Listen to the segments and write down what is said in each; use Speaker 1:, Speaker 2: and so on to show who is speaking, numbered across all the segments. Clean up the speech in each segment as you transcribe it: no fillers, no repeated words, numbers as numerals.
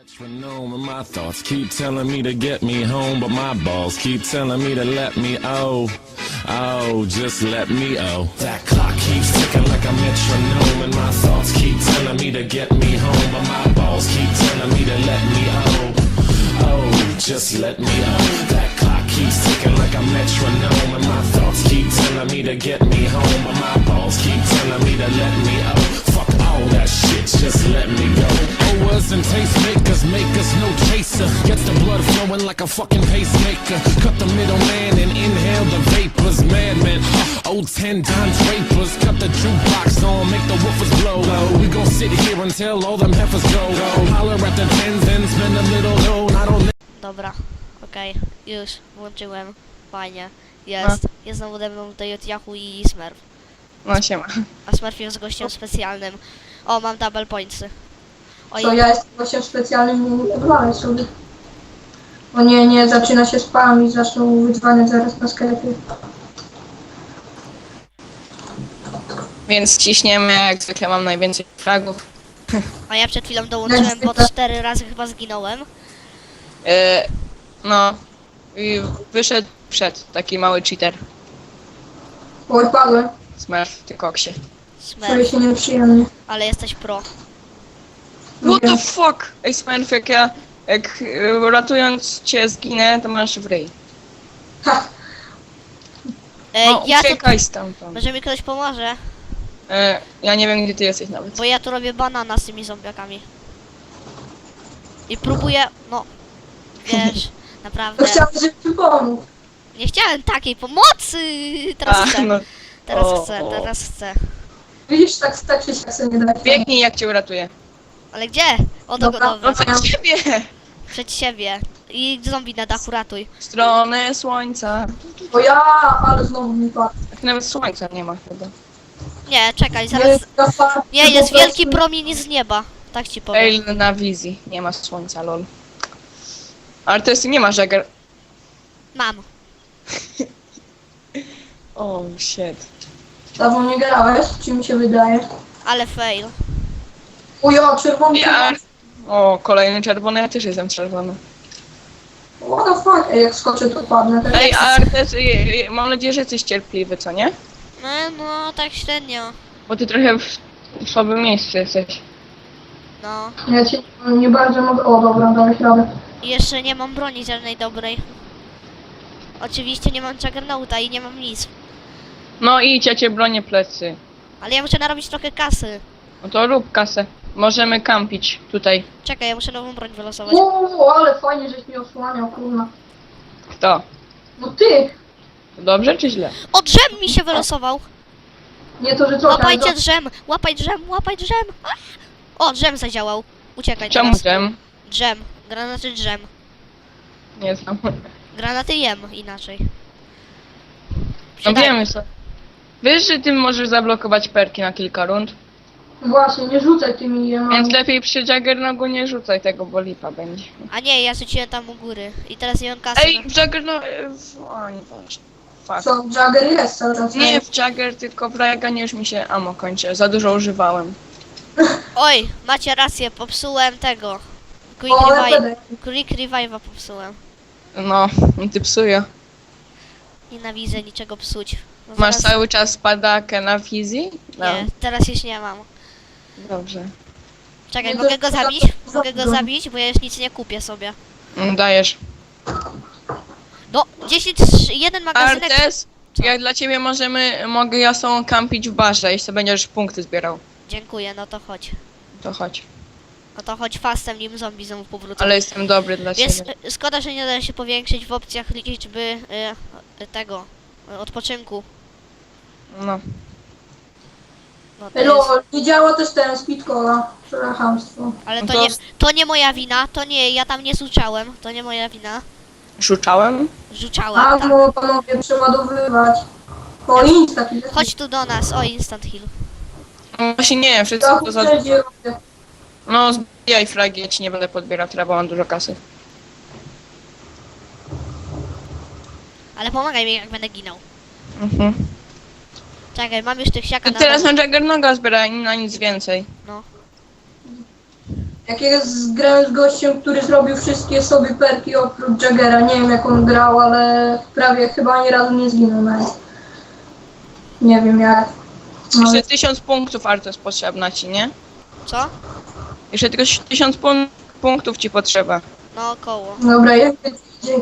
Speaker 1: Metronome and my thoughts keep telling me to get me home, but my balls keep telling me to let me just let me That clock keeps ticking like a metronome, and my thoughts keep telling me to get me home, but my balls keep telling me to let me just let me That clock keeps ticking like a metronome, and my thoughts keep telling me to get me home, but my balls keep telling me to let me Fuck all that shit, just let me go. Owers and tastemakers make us no chaser. Gets the blood flowing like a fucking pacemaker. Cut the middleman and inhale the vapors. Madman, old 10-time drapers. Cut the jukebox on, make the woofers blow. We gon' sit here until all them heifers go. Holler at the tens and spend a little dough. I don't.
Speaker 2: Dobra, okej, już włączyłem. Fajnie. Jest. Jest znowu ode mną tutaj od Yahoo i Smurf.
Speaker 3: No siema.
Speaker 2: A Smurf jest gościem specjalnym. O, mam double pointsy. Oj,
Speaker 4: To ja jestem gościem specjalnym i odwalę sobie. O nie, zaczyna się spam i zaczną wydzwaniać zaraz na sklepie.
Speaker 3: Więc ciśniemy, jak zwykle mam najwięcej fragów.
Speaker 2: a ja przed chwilą dołączyłem, bo 4 razy chyba zginąłem.
Speaker 3: No. I wyszedł przed taki mały cheater.
Speaker 4: Oj, padłem.
Speaker 3: Smurf, ty koksie.
Speaker 4: Czuję
Speaker 2: Smurf,
Speaker 4: się nieprzyjemnie.
Speaker 2: ale jesteś pro.
Speaker 3: What the fuck? Ej Smurf, jak ratując cię zginę, to masz w ryj.
Speaker 4: Ha!
Speaker 3: No
Speaker 2: Ja tu...
Speaker 3: uciekaj stamtąd.
Speaker 2: Może mi ktoś pomoże,
Speaker 3: Ja nie wiem, gdzie ty jesteś nawet.
Speaker 2: bo ja tu robię banana z tymi zombiakami. I próbuję, no, wiesz, naprawdę.
Speaker 4: To chciałem, żeby ci pomóc.
Speaker 2: Nie chciałem takiej pomocy! Teraz chcę,
Speaker 3: no.
Speaker 2: teraz chcę.
Speaker 4: Widzisz, tak się jak sobie nie da.
Speaker 3: Biegnij, jak cię uratuję.
Speaker 2: Ale gdzie? O, do
Speaker 4: Dobra.
Speaker 3: No
Speaker 2: gotowe.
Speaker 3: przed ciebie!
Speaker 2: Przed siebie. I zombie na dachu ratuj.
Speaker 3: W stronę słońca.
Speaker 4: O ja, ale znowu mi padł.
Speaker 3: Tak nawet słońca nie ma chyba.
Speaker 2: Nie, czekaj, zaraz... Nie, jest wielki promień z nieba. Tak ci powiem.
Speaker 3: Ej, na wizji. Nie ma słońca, lol. Ale to jest, nie ma Jagger.
Speaker 2: Mam.
Speaker 3: Oh shit.
Speaker 4: Dawno nie grałeś, czy mi się wydaje?
Speaker 2: Ale fail.
Speaker 4: O ja, czerwony.
Speaker 3: Ja. O, kolejny czerwony, ja też jestem czerwony.
Speaker 4: What the fuck? Ej, jak skoczę, to padnę. Tak
Speaker 3: Ej, Artes, mam nadzieję, że jesteś cierpliwy, co nie?
Speaker 2: No, tak średnio.
Speaker 3: Bo ty trochę w słabym miejscu jesteś.
Speaker 2: No.
Speaker 4: Ja cię nie bardzo mogę. O dobra, dałeś radę.
Speaker 2: I jeszcze nie mam broni żadnej dobrej. Oczywiście nie mam Juggernauta i nie mam nic.
Speaker 3: No idź, ja cię bronię plecy.
Speaker 2: Ale ja muszę narobić trochę kasy.
Speaker 3: No to rób kasę. Możemy kampić tutaj.
Speaker 2: Czekaj, ja muszę nową broń wylosować.
Speaker 4: O, ale fajnie, żeś mi osłaniał, kurna.
Speaker 3: Kto?
Speaker 4: No ty!
Speaker 3: Dobrze czy źle?
Speaker 2: O, drzem mi się wylosował.
Speaker 4: Nie to, że co?
Speaker 2: Łapajcie drzem, łapaj drzem. A! O, drzem zadziałał. Uciekaj
Speaker 3: Czemu
Speaker 2: teraz.
Speaker 3: dżem?
Speaker 2: Drzem, granaty drzem.
Speaker 3: Nie znam.
Speaker 2: Granaty jem inaczej.
Speaker 3: No
Speaker 2: Przyda-
Speaker 3: wiemy co. Wiesz, że ty możesz zablokować perki na kilka rund?
Speaker 4: Właśnie, nie rzucaj tymi jemami.
Speaker 3: Więc lepiej przy Juggernogu nie rzucaj tego, bo lipa będzie.
Speaker 2: A nie, ja rzuciłem tam u góry. I teraz nie mam kasy.
Speaker 3: Ej, w Juggernog... O, nieważne. Fuck.
Speaker 4: Co, Jagger jest cały czas?
Speaker 3: Nie w Jagger, tylko w Raganie już mi się ammo kończy. Za dużo używałem.
Speaker 2: Oj, macie rację, popsułem tego. Quick
Speaker 4: O,
Speaker 2: Revive.
Speaker 4: LPD.
Speaker 2: Quick Revive'a popsułem.
Speaker 3: No, ty psuję.
Speaker 2: Nienawidzę niczego psuć. No
Speaker 3: Masz
Speaker 2: zaraz-
Speaker 3: cały czas padakę na wizji? No.
Speaker 2: Nie, teraz już nie mam.
Speaker 3: Dobrze.
Speaker 2: Czekaj,
Speaker 4: Nie,
Speaker 2: mogę
Speaker 4: to-
Speaker 2: go zabić? Mogę go
Speaker 4: to-
Speaker 2: zabić, bo ja już nic nie kupię sobie.
Speaker 3: Dajesz.
Speaker 2: No, 10, jeden magazynek.
Speaker 3: Artes,
Speaker 2: Co?
Speaker 3: jak dla ciebie mogę ja są kampić w barze, jeśli będziesz punkty zbierał.
Speaker 2: Dziękuję, no to chodź.
Speaker 3: To chodź.
Speaker 2: No to chodź fastem, nim zombie znowu powrócą.
Speaker 3: Ale jestem dobry dla
Speaker 2: Więc
Speaker 3: ciebie.
Speaker 2: szkoda, że nie da się powiększyć w opcjach liczby tego odpoczynku.
Speaker 3: No.
Speaker 2: No to jest,
Speaker 4: Elo, nie działa też ten speedcola. Przepraszamstwo.
Speaker 2: ale
Speaker 3: No
Speaker 2: to nie moja wina, to nie, ja tam nie zuczałem, to nie moja wina.
Speaker 3: Rzuczałem?
Speaker 2: Rzuczałem,
Speaker 4: A,
Speaker 2: tak.
Speaker 4: no panowie, przeładowywać. O, insta taki.
Speaker 2: Chodź tu do nas, o instant heal.
Speaker 3: No właśnie nie, wszystko to za...
Speaker 4: Wszędzie.
Speaker 3: No zbijaj fragi, ja ci nie będę podbierał, teraz bo mam dużo kasy.
Speaker 2: Ale pomagaj mi, jak będę ginął.
Speaker 3: Mhm.
Speaker 2: Czekaj, mam już tych siaka
Speaker 3: To
Speaker 2: na
Speaker 3: teraz
Speaker 2: dole.
Speaker 3: na Juggernoga zbieraj, na nic więcej.
Speaker 2: No.
Speaker 4: Jak jest grałem z gościem, który zrobił wszystkie sobie perki oprócz Jaggera. Nie wiem jak on grał, ale prawie chyba ani razu nie zginął nawet. Nie wiem jak. No,
Speaker 3: Jeszcze 1000 punktów Artes potrzebna ci, nie?
Speaker 2: Co?
Speaker 3: Jeszcze tylko 1000 punktów ci potrzeba.
Speaker 2: No około.
Speaker 4: dobra, jak będzie,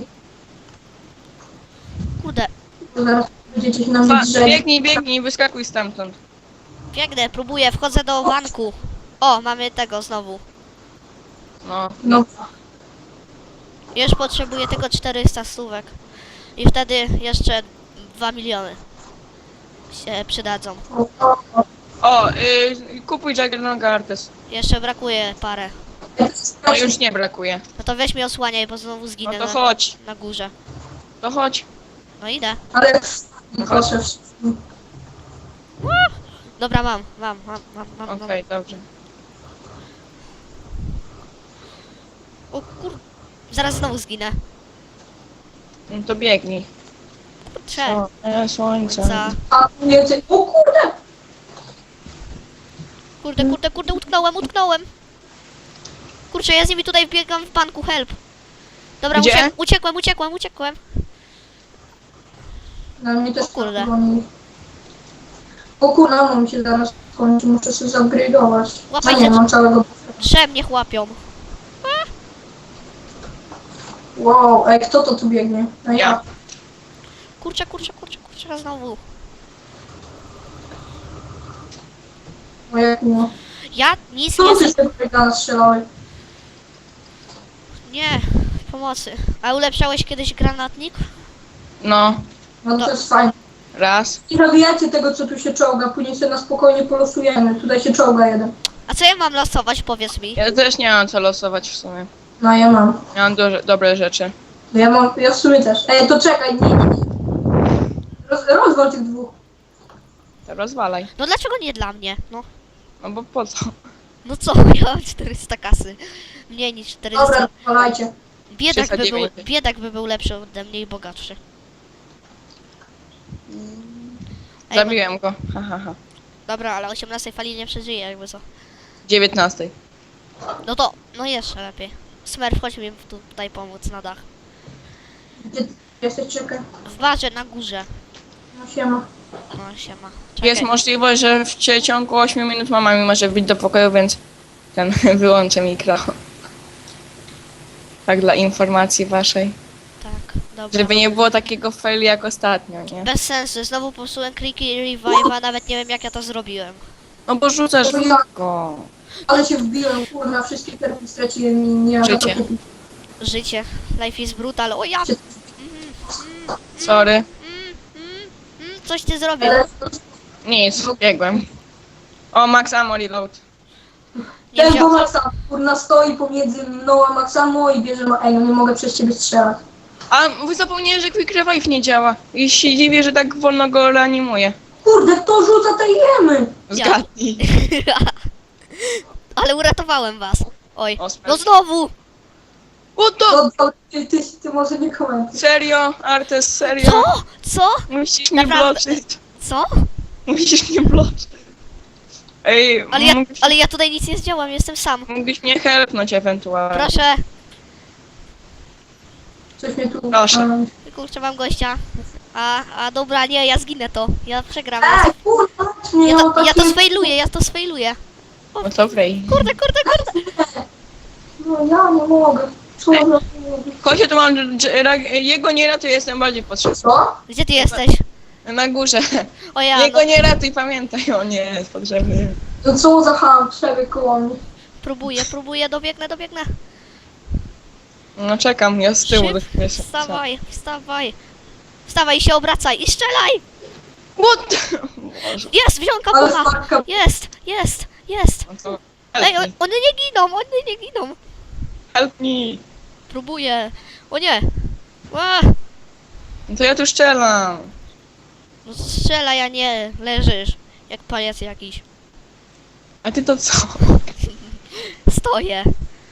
Speaker 2: Kurde,
Speaker 4: zaraz będziecie się na mnie drzeć.
Speaker 3: Biegnij, wyskakuj stamtąd.
Speaker 2: biegnę, próbuję, wchodzę do banku. O, mamy tego znowu.
Speaker 3: No.
Speaker 4: No,
Speaker 2: Już potrzebuję tylko 400 stówek. I wtedy jeszcze 2 miliony się przydadzą.
Speaker 3: O, kupuj Juggernaut Artes.
Speaker 2: Jeszcze brakuje parę.
Speaker 3: No już nie brakuje.
Speaker 2: No to weź mnie osłaniaj, bo znowu
Speaker 3: No
Speaker 2: zginę
Speaker 3: to chodź,
Speaker 2: na górze.
Speaker 3: to chodź.
Speaker 2: No idę.
Speaker 4: ale proszę wszystkim.
Speaker 2: Dobra, mam.
Speaker 3: Okej, dobrze.
Speaker 2: O zaraz znowu zginę.
Speaker 3: No to biegnij.
Speaker 2: Kurczę.
Speaker 3: Słońce.
Speaker 2: Za.
Speaker 4: A więcej. O kurde!
Speaker 2: Kurde, utknąłem. Kurczę, ja z nimi tutaj biegam w banku, help. Dobra,
Speaker 3: Gdzie?
Speaker 2: uciekłem.
Speaker 4: Na mnie też
Speaker 2: O kurde.
Speaker 4: goni. O kurde, no mi się zaraz kończy, muszę sobie zupgrade'ować. A
Speaker 2: Łapajcie.
Speaker 4: nie, mam całego...
Speaker 2: Drzew mnie łapią.
Speaker 4: Wow, ej, kto to tu biegnie? No
Speaker 3: Ja.
Speaker 2: Kurczę, znowu.
Speaker 4: O jak miło.
Speaker 2: Ja nic
Speaker 4: Co
Speaker 2: nie...
Speaker 4: ty się do strzelałeś?
Speaker 2: Nie, pomocy. A ulepszałeś kiedyś granatnik?
Speaker 3: No,
Speaker 4: No
Speaker 2: To-
Speaker 4: to jest fajne.
Speaker 3: raz.
Speaker 4: I zabijajcie tego, co tu się czołga, później sobie na spokojnie polosujemy. Tutaj się czołga jeden.
Speaker 2: A co ja mam losować, powiedz mi?
Speaker 3: Ja też nie mam co losować w sumie.
Speaker 4: No ja mam.
Speaker 3: Ja mam dobre rzeczy.
Speaker 4: Ja w sumie też. Ej, to czekaj, nie. Rozwal tych dwóch.
Speaker 3: To rozwalaj.
Speaker 2: No dlaczego nie dla mnie?
Speaker 3: No bo po co?
Speaker 2: No co, ja mam 400 kasy. Mniej niż 400.
Speaker 4: Dobra, rozwalajcie.
Speaker 2: Biedak by był lepszy ode mnie i bogatszy. Ej,
Speaker 3: Zabiłem go. Ha.
Speaker 2: Dobra, ale 18 fali nie przeżyje, jakby co.
Speaker 3: 19.
Speaker 2: No to, no jeszcze lepiej. Smurf, chodź mi tutaj pomóc na dach.
Speaker 4: Gdzie ty jesteś? Czekaj.
Speaker 2: W barze na górze.
Speaker 4: No siema.
Speaker 2: No siema.
Speaker 3: Jest
Speaker 2: Czekaj.
Speaker 3: możliwość, że w ciągu 8 minut mama mi może wbić do pokoju, więc ten wyłączę mikro. Tak dla informacji waszej.
Speaker 2: Tak, dobra.
Speaker 3: Żeby nie było takiego fail jak ostatnio, nie?
Speaker 2: Bez sensu, znowu popsułem kliki revive'a, nawet nie wiem jak ja to zrobiłem.
Speaker 3: No bo rzucasz
Speaker 4: To ja-
Speaker 3: go.
Speaker 4: Ale się wbiłem, kurna, wszystkie perki straciłem i nie mam na to
Speaker 3: Życie.
Speaker 4: kupić.
Speaker 2: Życie. Life is brutal. O ja!
Speaker 3: Sorry.
Speaker 2: Coś ty zrobił.
Speaker 4: Ale
Speaker 3: Nic, biegłem. O, max ammo reload.
Speaker 2: Nie
Speaker 4: ten
Speaker 2: wziął...
Speaker 4: bo Maxa, kurna, stoi pomiędzy mną a Maxamo i bierze ma... Ej, no nie mogę przez ciebie strzelać.
Speaker 3: A wy zapomniałem, że quick revive nie działa. I się dziwię, że tak wolno go reanimuje.
Speaker 4: Kurde, kto rzuca te jemy?
Speaker 3: Zgadnij.
Speaker 2: Ale uratowałem was. Oj.
Speaker 3: O,
Speaker 2: No znowu!
Speaker 3: What the...
Speaker 4: To, ty może nie komentuj.
Speaker 3: Serio? Artes, serio?
Speaker 2: Co? Co?
Speaker 3: Musisz mnie
Speaker 2: Naprawdę?
Speaker 3: bloczyć.
Speaker 2: Co?
Speaker 3: Musisz mnie bloczyć. Ej,
Speaker 2: Ale ja tutaj nic nie zdziałam, jestem sam.
Speaker 3: mógłbyś mnie helpnąć ewentualnie.
Speaker 2: Proszę.
Speaker 4: Coś mnie tu...
Speaker 3: Proszę.
Speaker 2: Kurczę, mam gościa. A dobra, nie, ja zginę to. Ja przegram.
Speaker 4: Ej, kurwa, nie,
Speaker 2: Ja
Speaker 4: no
Speaker 2: to
Speaker 4: takie...
Speaker 2: sfailuję.
Speaker 3: No to wrej.
Speaker 2: Kurde.
Speaker 4: No ja nie mogę. Co
Speaker 3: Ej.
Speaker 4: za...
Speaker 3: Chodź, tu mam... Jego nie ratuj, jestem bardziej potrzebny.
Speaker 4: Co?
Speaker 2: Gdzie ty jesteś?
Speaker 3: Na górze.
Speaker 2: O ja,
Speaker 3: Jego
Speaker 2: no,
Speaker 3: nie ratuj, pamiętaj, on nie jest potrzebny.
Speaker 4: No co za ham, przebieg koło mnie.
Speaker 2: próbuję, dobiegnę.
Speaker 3: No czekam, ja z tyłu.
Speaker 2: Wstawaj. Wstawaj i się obracaj i strzelaj!
Speaker 3: What? Boże.
Speaker 2: Jest, wziąłem
Speaker 4: Ale
Speaker 2: kapucha!
Speaker 4: sparka...
Speaker 2: Jest!
Speaker 3: No to
Speaker 2: Ej,
Speaker 3: help me.
Speaker 2: one nie giną!
Speaker 3: Help me.
Speaker 2: Próbuję. O nie! A,
Speaker 3: No to ja tu strzelam.
Speaker 2: no strzelaj, a nie leżysz. Jak pajac jakiś.
Speaker 3: A ty to co?
Speaker 2: Stoję.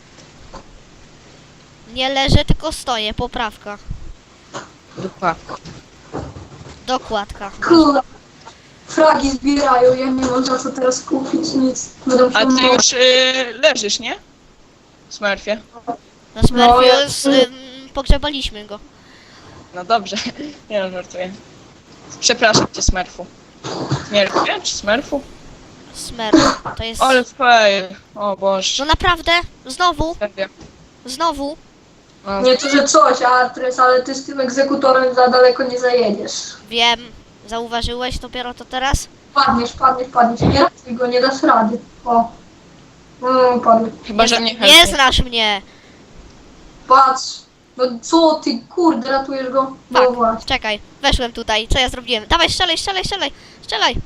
Speaker 2: Nie leżę, tylko stoję. Poprawka.
Speaker 3: Dupa.
Speaker 2: Dokładka.
Speaker 4: Kurde. Fragi zbierają, ja nie mam za co teraz kupić nic. Będą
Speaker 3: A
Speaker 4: się
Speaker 3: ty już leżysz, nie? Smurfie?
Speaker 2: Na Smurfie
Speaker 4: ja-
Speaker 2: pogrzebaliśmy go.
Speaker 3: No dobrze, nie no, żartuję. Przepraszam cię, Smurfu. Smurfie czy Smurfu?
Speaker 2: Smurf, to jest...
Speaker 3: Ale fail. O Boże.
Speaker 2: No naprawdę, znowu,
Speaker 3: Serio.
Speaker 2: znowu.
Speaker 3: No,
Speaker 4: Nie to, że coś, Artres, ale ty z tym egzekutorem za daleko nie zajedziesz.
Speaker 2: Wiem, zauważyłeś dopiero to teraz?
Speaker 4: Padniesz. Nie ratuj go, nie dasz rady. O. Padł.
Speaker 3: chyba, że mnie
Speaker 2: Nie
Speaker 3: chętnie.
Speaker 2: znasz mnie.
Speaker 4: Patrz. No co ty, kurde, ratujesz go? No
Speaker 2: Tak,
Speaker 4: właśnie.
Speaker 2: czekaj, weszłem tutaj, co ja zrobiłem? Dawaj, strzelaj!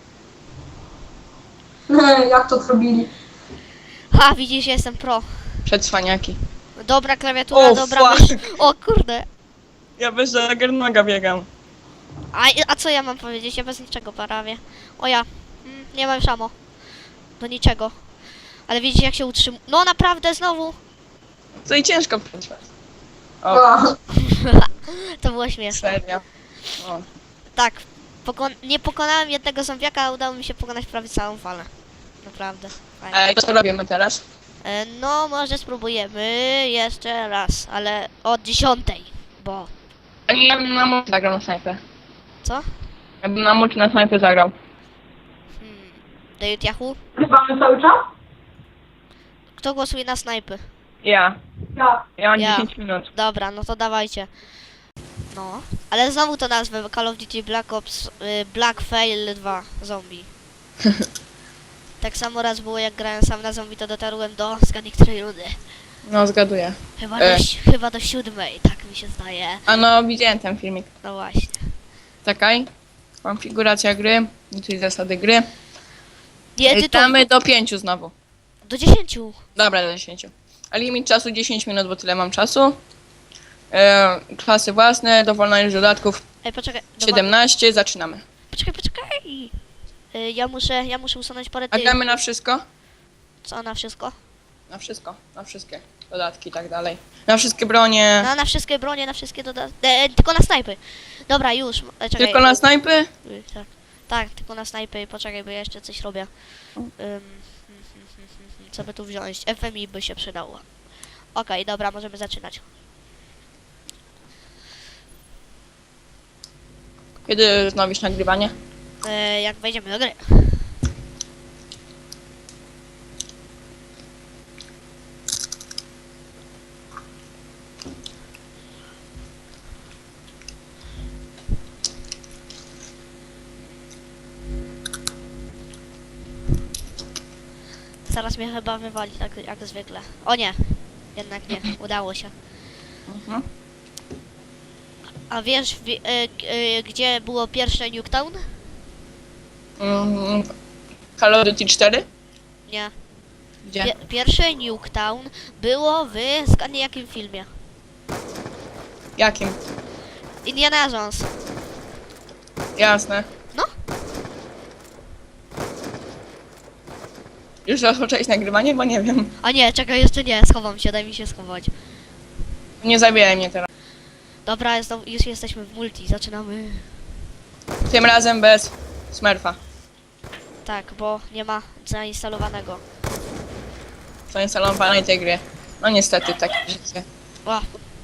Speaker 4: Jak to zrobili?
Speaker 2: Ha, widzisz, jestem pro.
Speaker 3: Przedswaniaki.
Speaker 2: Dobra klawiatura,
Speaker 3: O,
Speaker 2: dobra
Speaker 3: fuck.
Speaker 2: mysz. O kurde.
Speaker 3: Ja bez Juggernaga biegam.
Speaker 2: A co ja mam powiedzieć? Ja bez niczego prawie. O ja, nie mam szamo. Do niczego. Ale widzicie jak się utrzymuje. No naprawdę znowu.
Speaker 3: Co i ciężko przetrwać. O,
Speaker 4: A,
Speaker 2: To było śmieszne.
Speaker 3: serio. O.
Speaker 2: Tak, nie pokonałem jednego zombiaka, a udało mi się pokonać prawie całą falę. Naprawdę. Fajnie.
Speaker 3: Ej, co robimy teraz?
Speaker 2: No, może spróbujemy jeszcze raz, ale od 10, bo...
Speaker 3: Ja bym na multi zagrał na snajpę.
Speaker 2: Co?
Speaker 3: Ja bym na multi na snajpę zagrał.
Speaker 2: David Yahoo?
Speaker 4: Grywamy cały czas?
Speaker 2: Kto głosuje na snajpy?
Speaker 3: Ja.
Speaker 4: Ja.
Speaker 3: Ja mam
Speaker 2: Ja.
Speaker 3: 10 minut.
Speaker 2: Dobra, no to dawajcie. No, ale znowu to nazwę Call of Duty Black Ops Black Fail 2 Zombie. Tak samo raz było jak grałem sam na zombie, to dotarłem do zgadnij której rundy.
Speaker 3: No, zgaduję.
Speaker 2: Chyba do 7, tak mi się zdaje.
Speaker 3: A no, widziałem ten filmik.
Speaker 2: No właśnie.
Speaker 3: Czekaj. Konfiguracja gry, czyli zasady gry.
Speaker 2: Nie, ty to
Speaker 3: Damy do 5 znowu.
Speaker 2: do 10.
Speaker 3: Dobra, do 10. A limit czasu 10 minut, bo tyle mam czasu. Klasy własne, dowolna ilość dodatków
Speaker 2: Ej, poczekaj.
Speaker 3: 17, zaczynamy.
Speaker 2: Poczekaj. Ja muszę usunąć parę
Speaker 3: A
Speaker 2: tych.
Speaker 3: gramy na wszystko?
Speaker 2: Co na wszystko?
Speaker 3: Na wszystko, na wszystkie dodatki i tak dalej. Na wszystkie bronie.
Speaker 2: Na wszystkie bronie, na wszystkie dodatki. Tylko na snajpy. Dobra, już. Czekaj.
Speaker 3: Tylko na snajpy?
Speaker 2: Tak. Tak, tylko na snajpy. Poczekaj, bo ja jeszcze coś robię. Co by tu wziąć? FMI by się przydało. Okej, dobra, możemy zaczynać.
Speaker 3: Kiedy wznowisz nagrywanie?
Speaker 2: Jak wejdziemy do gry. Zaraz mnie chyba wywali, tak jak zwykle. O nie, jednak nie, udało się.
Speaker 3: Mhm.
Speaker 2: A wiesz, gdzie było pierwsze Nuketown?
Speaker 3: Call of Duty 4?
Speaker 2: Nie.
Speaker 3: Gdzie?
Speaker 2: Pierwsze Nuketown było w zgadnij jakim filmie?
Speaker 3: Jakim?
Speaker 2: Indiana Jones.
Speaker 3: Jasne.
Speaker 2: No.
Speaker 3: Już rozpocząłeś nagrywanie? Bo nie wiem.
Speaker 2: A nie, czekaj, jeszcze nie, schowam się, daj mi się schować.
Speaker 3: Nie zabijaj mnie teraz.
Speaker 2: Dobra, już jesteśmy w multi, zaczynamy.
Speaker 3: Tym razem bez Smurfa.
Speaker 2: Tak, bo nie ma zainstalowanego.
Speaker 3: Zainstalowanej tej gry. No niestety, takie życie.
Speaker 2: O,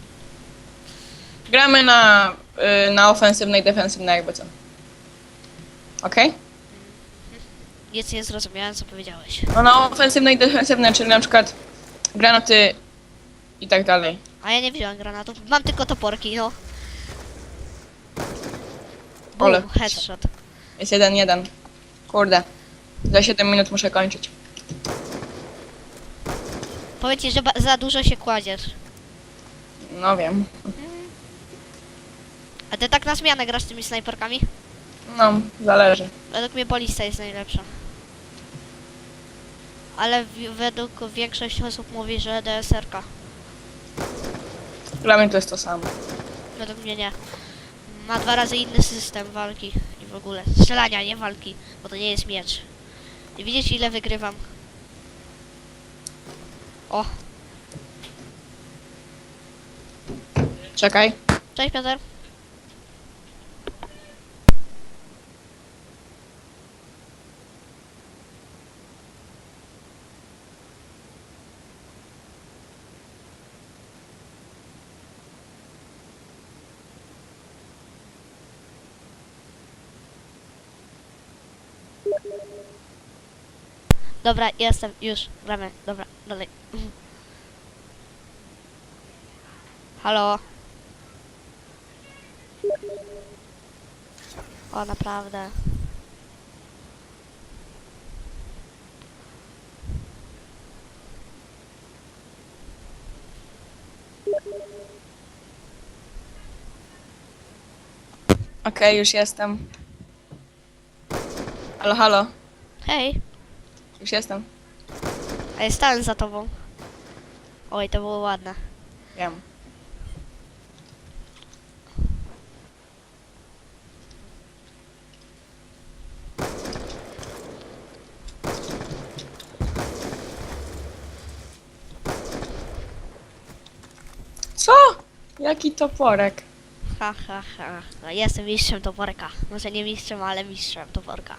Speaker 3: Gramy na ofensywnej, defensywnej jakby co. Okej?
Speaker 2: nic nie zrozumiałem, co powiedziałeś.
Speaker 3: No na ofensywnej, defensywnej, czyli na przykład granaty i tak dalej.
Speaker 2: A ja nie wziąłem granatów, mam tylko toporki, no.
Speaker 3: Ole.
Speaker 2: Boom, headshot.
Speaker 3: Jest 1-1. Kurde. Za 7 minut muszę kończyć.
Speaker 2: Powiedz ci, że za dużo się kładziesz.
Speaker 3: No wiem.
Speaker 2: A ty tak na zmianę grasz z tymi snajperkami?
Speaker 3: No, zależy.
Speaker 2: Według mnie balista jest najlepsza. Ale według większość osób mówi, że DSR-ka.
Speaker 3: Dla mnie to jest to samo.
Speaker 2: Według mnie nie. Ma 2 razy inny system walki i w ogóle. Strzelania, nie walki, bo to nie jest miecz. I widzisz ile wygrywam. O,
Speaker 3: Czekaj.
Speaker 2: cześć Piotr. Dobra, jestem, już, gramy, dobra, dalej. Halo? O, naprawdę.
Speaker 3: Okej, już jestem. Halo, halo.
Speaker 2: Hej,
Speaker 3: Już jestem.
Speaker 2: a ja stałem za tobą. Oj, to było ładne.
Speaker 3: Wiem. Co? Jaki toporek?
Speaker 2: Ha, ha, ha. No, jestem mistrzem toporka. Może nie mistrzem, ale mistrzem toporka.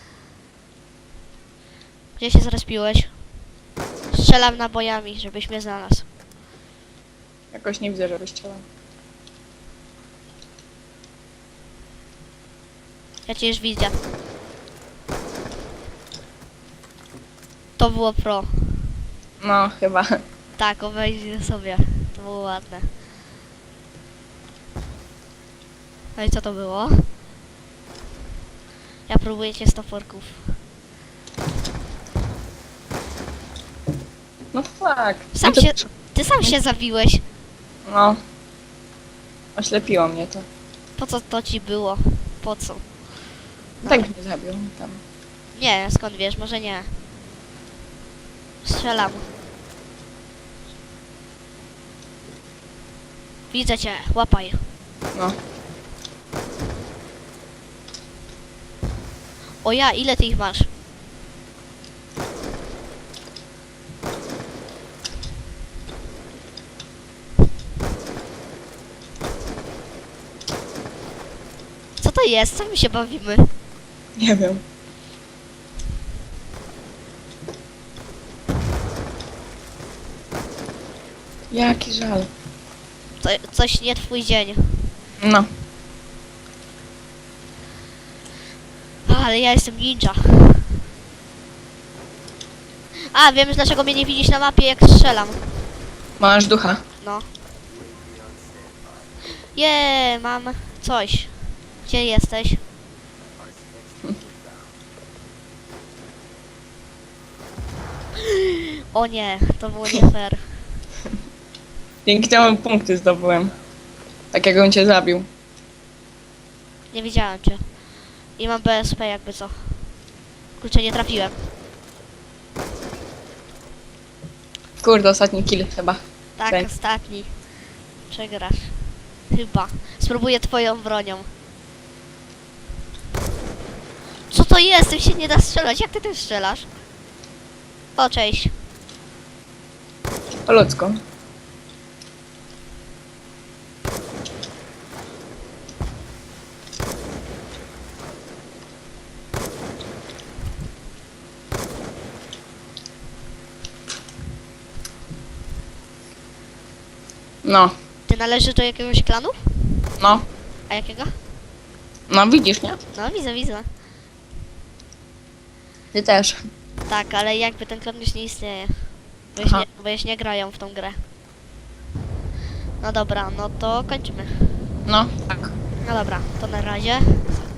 Speaker 2: Gdzie się zrespiłeś? Strzelam nabojami, żebyś mnie znalazł.
Speaker 3: Jakoś nie widzę, żebyś chciała.
Speaker 2: Ja cię już widzę. To było pro.
Speaker 3: No, chyba.
Speaker 2: Tak, obejrzyj sobie. To było ładne. No i co to było? Ja próbuję cię z toporków.
Speaker 3: No tak.
Speaker 2: Sam
Speaker 3: No to-
Speaker 2: się... Ty sam się zabiłeś.
Speaker 3: No. Oślepiło mnie to.
Speaker 2: Po co to ci było? Po co?
Speaker 3: Tak mnie zabił tam.
Speaker 2: Nie, skąd wiesz? Może nie. Strzelam. Widzę cię, łapaj.
Speaker 3: No.
Speaker 2: O ja, ile ty ich masz? Co to jest? Co my się bawimy?
Speaker 3: Nie wiem. Jaki żal.
Speaker 2: Coś nie twój dzień.
Speaker 3: No.
Speaker 2: Ale ja jestem ninja. A, wiem dlaczego mnie nie widzisz na mapie, jak strzelam.
Speaker 3: Masz ducha.
Speaker 2: No. Mam coś. Gdzie jesteś? O nie, to było nie fair.
Speaker 3: Dzięki temu punkty zdobyłem. Tak jak on cię zabił.
Speaker 2: Nie widziałem cię. I mam BSP jakby co. Kurczę, nie trafiłem.
Speaker 3: Kurde, ostatni kill chyba.
Speaker 2: Tak,
Speaker 3: Okej.
Speaker 2: ostatni. Przegrasz. Chyba. Spróbuję twoją bronią. Co to jest? Tym się nie da strzelać. Jak ty tym strzelasz? O, cześć.
Speaker 3: Po ludzku. No,
Speaker 2: Ty należysz do jakiegoś klanu?
Speaker 3: no,
Speaker 2: A jakiego?
Speaker 3: no widzisz, nie?
Speaker 2: No, widzę.
Speaker 3: Ty też.
Speaker 2: Tak, ale jakby ten klan już nie istnieje.
Speaker 3: Aha.
Speaker 2: Bo już nie grają w tą grę. No dobra, no to kończymy.
Speaker 3: No, tak.
Speaker 2: No dobra, to na razie.